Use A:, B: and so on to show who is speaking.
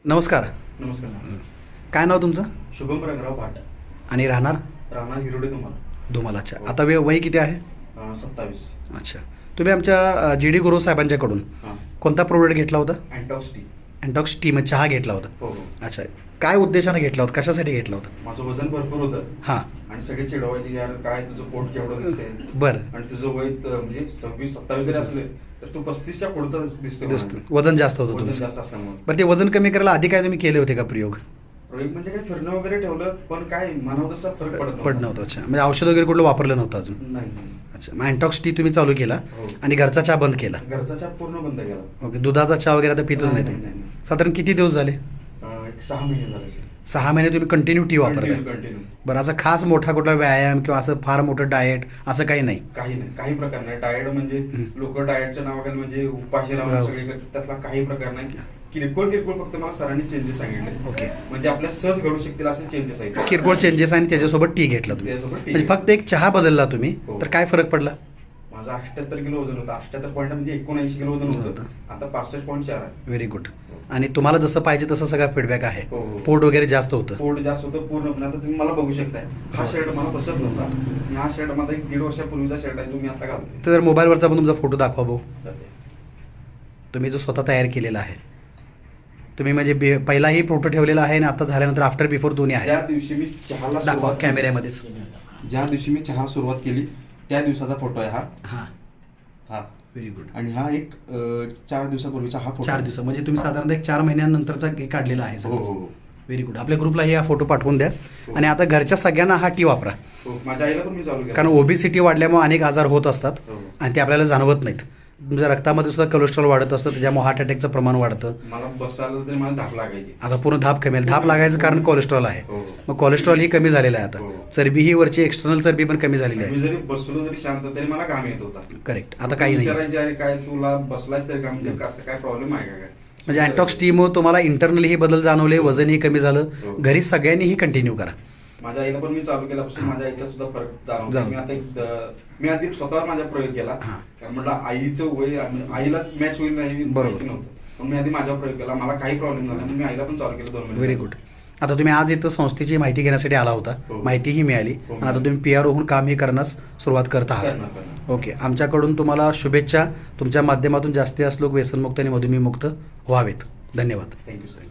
A: नमस्कार.
B: नमस्कार.
A: काय नाव तुमचं?
B: शुभम रंगराव भाट.
A: आणि राहणार
B: राहणार हिरोडे तुम्हाला.
A: धुमालाच्या. आता वय किती आहे?
B: 27.
A: अच्छा. तुम्ही आमच्या GD गुरु साहेबांच्याकडून कोणता प्रोडक्ट घेतला होता?
B: अँटॉक्स टी.
A: अँटॉक्स टी म्हणजे चहा घेतला होता.
B: हो.
A: अच्छा. काय उद्देशाने घेतला होता, कशासाठी घेतला होता?
B: माझं वजन भरपूर होतं.
A: हां.
B: आणि सगळे चिडवायचे यार काय तुझं पोट केवढं दिसतंय.
A: बरं.
B: आणि तुझं वय म्हणजे 26-27 जरी असले तर तू 35च्या पुढचं दिसतो.
A: वजन जास्त होतं
B: वजन
A: तुमचं.
B: जास्त असल्यामुळे.
A: बरं, ते वजन कमी करायला आधी काय तुम्ही केले होते का प्रयोग?
B: प्रयोग म्हणजे काय फिरणं वगैरे ठेवलं पण काय मनावर तसा फरक
A: पडत नव्हतं. अच्छा. म्हणजे औषध वगैरे कुठलं वापरलं नव्हतं अजून?
B: नाही.
A: अच्छा. मग अँटॉक्स टी तुम्ही चालू केला आणि घरचा चहा बंद केला.
B: घरचा चहा पूर्ण बंद केला.
A: ओके. दुधाचा चहा वगैरे आता पितच नाही तुम्ही? साधारण किती दिवस झाले?
B: एक 6 महिने झाले.
A: 6 महिने तुम्ही कंटिन्यू टी वापरताय?
B: कंटिन्यू.
A: बरं, असं खास मोठा कुठला व्यायाम किंवा असं फार मोठं डाएट असं काही नाही?
B: काही नाही, काही प्रकार नाही. डाएट म्हणजे लोक डाएटच्या नावाखाली म्हणजे उपाशी राहून सगळे करतात, त्यातला काही प्रकार नाही. किरकोळ फक्त मला सरांनी चेंजेस सांगितले.
A: ओके.
B: म्हणजे आपल्या सहज घडू शकतील असे चेंजेस आहेत.
A: किरकोळ चेंजेस आणि त्याच्यासोबत टी घेतला तुम्ही?
B: त्याच्यासोबत टी
A: म्हणजे फक्त एक चहा बदलला तुम्ही तर काय फरक पडला?
B: माझं 78 किलो वजन होतं. 78 पॉईंट म्हणजे 79 किलो वजन होतं. आता 65.4 आहे.
A: Very good. आणि तुम्हाला जसं पाहिजे तसं सगळा फीडबॅक आहे?
B: हो.
A: पोट वगैरे जास्त होतं?
B: पोट जास्त होतं पूर्णपणे. आता तुम्ही मला बघू शकताय, हा शर्ट मला बसत नव्हता. आणि हा शर्ट माझा 1-1.5 वर्षापूर्वीचा शर्ट आहे, तुम्ही आता घालतोय.
A: तर मोबाईलवरचा पण तुमचा फोटो दाखवा भाऊ. तुम्ही जो स्वतः तयार केलेला आहे. तुम्ही म्हणजे पहिलाही फोटो ठेवलेला आहे आणि आता झाल्यानंतर आफ्टर बिफोर दोन्ही आहे.
B: ज्या दिवशी मी चहाला
A: दाखवा कॅमेऱ्यामध्येच.
B: ज्या दिवशी मी चहा सुरुवात केली त्या दिवसाचा फोटो आहे हा.
A: हां.
B: हा.
A: Very good.
B: आणि हा एक 4 दिवसापूर्वीचा हा फोटो.
A: 4 दिवस म्हणजे तुम्ही साधारणतः एक 4 महिन्यानंतरचा काढलेला आहे
B: हो.
A: सगळं?
B: हो.
A: Very good. आपल्या ग्रुपलाही हा फोटो पाठवून द्या. आणि आता घरच्या सगळ्यांना हा टी वापरा.
B: माझ्या आईला पण मी चालू केलं.
A: कारण ओबेसिटी वाढल्यामुळे अनेक आजार होत असतात आणि ते आपल्याला जाणवत नाहीत. तुमच्या रक्तामध्ये सुद्धा कोलेस्ट्रॉल वाढत असतं, त्याच्यामुळे हार्ट अटॅकचं प्रमाण वाढतं.
B: मला बसायला तरी मला धाप लागायची.
A: आता पूर्ण धाप कमी. धाप लागायचं कारण कोलेस्ट्रॉल आहे. मग कोलेस्ट्रॉल ही कमी झालेलं आहे आता. चरबी ही वरची एक्सटर्नल चरबी पण कमी झालेली आहे.
B: मी जरी बसलो जरी शांत तरी मला घाम येत होता.
A: करेक्ट. आता काही नाही.
B: विचारायचे अरे काय तुला बसलाच तरी घाम येतं, असं काय प्रॉब्लेम आहे का?
A: म्हणजे अँटॉक्स टीमुळे तुम्हाला इंटरनली हे बदल जाणवले, वजनही कमी झालं. घरी सगळ्यांनीही कंटिन्यू करा.
B: माझ्या आईला पण मी चालू केल्यापासून माझ्या आईचा सुद्धा फरक जाणवतो. मी आधी स्वतःवर माझा प्रयोग केला. कारण म्हटलं आईचं वय आईला मॅच होईल नाही
A: बरोबर
B: नव्हतं, पण मी आधी माझा प्रयोग केला. मला काही प्रॉब्लेम झाला, मी आईला पण चालू केलं 2 महिने.
A: Very good. आता तुम्ही आज इथं संस्थेची माहिती घेण्यासाठी आला होता. माहितीही मिळाली आणि आता तुम्ही PR होऊन कामही करण्यास सुरुवात करत आहात. ओके. आमच्याकडून तुम्हाला शुभेच्छा. तुमच्या माध्यमातून जास्तीत जास्त लोक व्यसनमुक्त आणि मधुमेहमुक्त व्हावेत. धन्यवाद.
B: Thank you sir.